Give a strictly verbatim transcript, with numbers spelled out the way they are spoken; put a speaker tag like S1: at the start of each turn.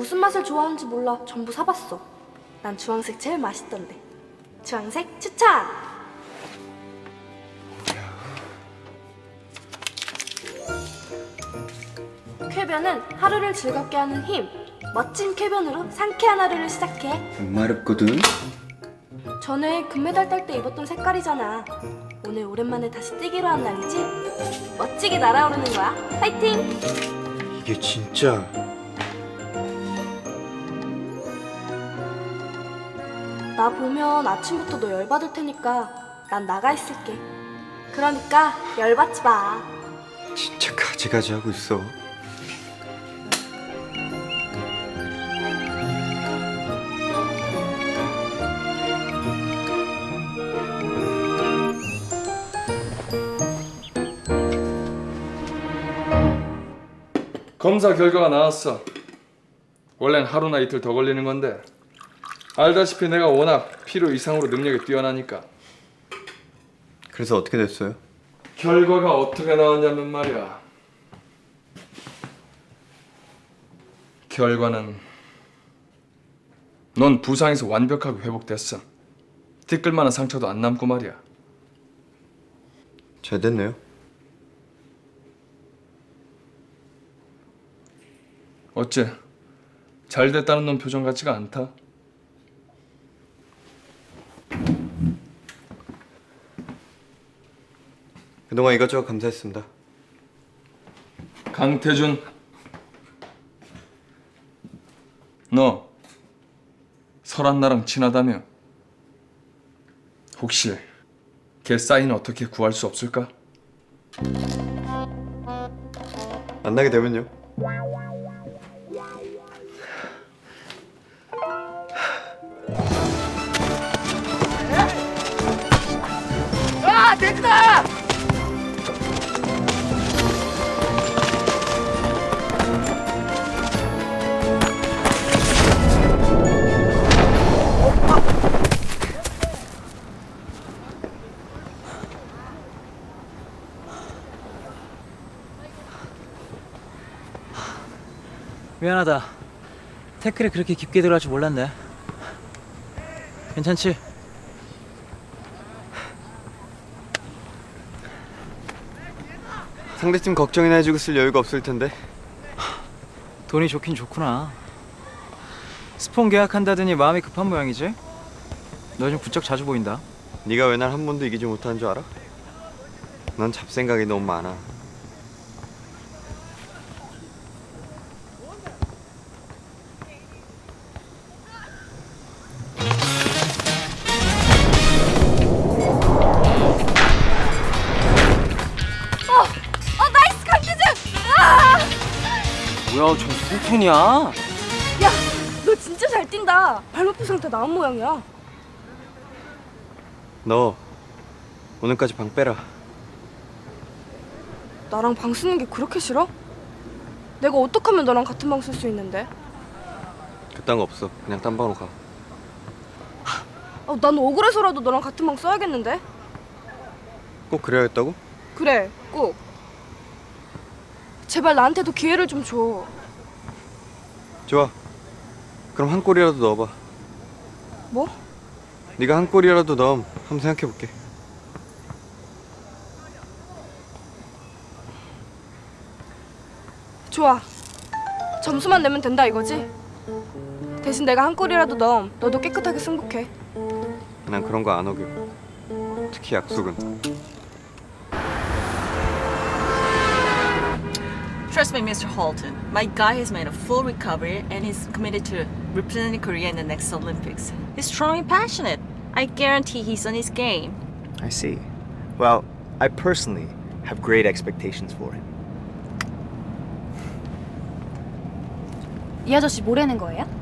S1: 무슨 맛을 좋아하는지 몰라 전부 사봤어. 난 주황색 제일 맛있던데. 주황색 추천! 쾌변은 하루를 즐겁게 하는 힘. 멋진 쾌변으로 상쾌한 하루를 시작해.
S2: 목마릅거든.
S1: 전에 금메달 딸 때 입었던 색깔이잖아. 오늘 오랜만에 다시 뛰기로 한 날이지? 멋지게 날아오르는 거야. 파이팅!
S2: 이게 진짜
S1: 나 보면 아침부터 너 열받을 테니까 난 나가 있을게. 그러니까 열받지 마.
S2: 진짜 가지가지 하고 있어.
S3: 검사 결과가 나왔어. 원래는 하루나 이틀 더 걸리는 건데 알다시피 내가 워낙 필요 이상으로 능력이 뛰어나니까.
S2: 그래서 어떻게 됐어요?
S3: 결과가 어떻게 나왔냐면 말이야. 결과는 넌 부상에서 완벽하게 회복됐어. 티끌만한 상처도 안 남고 말이야.
S2: 잘 됐네요.
S3: 어째 잘 됐다는 놈 표정 같지가 않다.
S2: 그동안 이것저것 감사했습니다.
S3: 강태준, 너 설한 나랑 친하다며? 혹시 걔 사인 어떻게 구할 수 없을까?
S2: 만나게 되면요.
S4: 아, 됐다!
S5: 미안하다. 태클에 그렇게 깊게 들어갈 줄 몰랐네. 괜찮지?
S2: 상대팀 걱정이나 해주고 쓸 여유가 없을 텐데.
S5: 돈이 좋긴 좋구나. 스폰 계약한다더니 마음이 급한 모양이지? 너 좀 부쩍 자주 보인다.
S2: 네가 왜 날 한 번도 이기지 못한 줄 알아? 넌 잡생각이 너무 많아.
S1: 어, 나이스 강태준! 아!
S5: 뭐야, 저 송편이야?
S1: 야, 너 진짜 잘 뛴다. 발목 부상 다 나은 모양이야.
S2: 너 오늘까지 방 빼라.
S1: 나랑 방 쓰는 게 그렇게 싫어? 내가 어떻게 하면 너랑 같은 방 쓸 수 있는데?
S2: 그딴 거 없어. 그냥 딴 방으로 가.
S1: 아, 난 억울해서라도 너랑 같은 방 써야겠는데?
S2: 꼭 그래야겠다고?
S1: 그래, 꼭. 제발 나한테도 기회를 좀 줘.
S2: 좋아. 그럼 한 골이라도 넣어봐.
S1: 뭐?
S2: 네가 한 골이라도 넣으면 한번 생각해볼게.
S1: 좋아. 점수만 내면 된다 이거지? 대신 내가 한 골이라도 넣으면 너도 깨끗하게 승복해.
S2: 난 그런 거 안 어겨. 특히 약속은.
S6: Trust me, Mister Halton. My guy has made a full recovery and he's committed to representing Korea in the next Olympics. He's strong and passionate. I guarantee he's on his game.
S7: I see. Well, I personally have great expectations for him.
S8: 이 아저씨 뭐라는 거예요?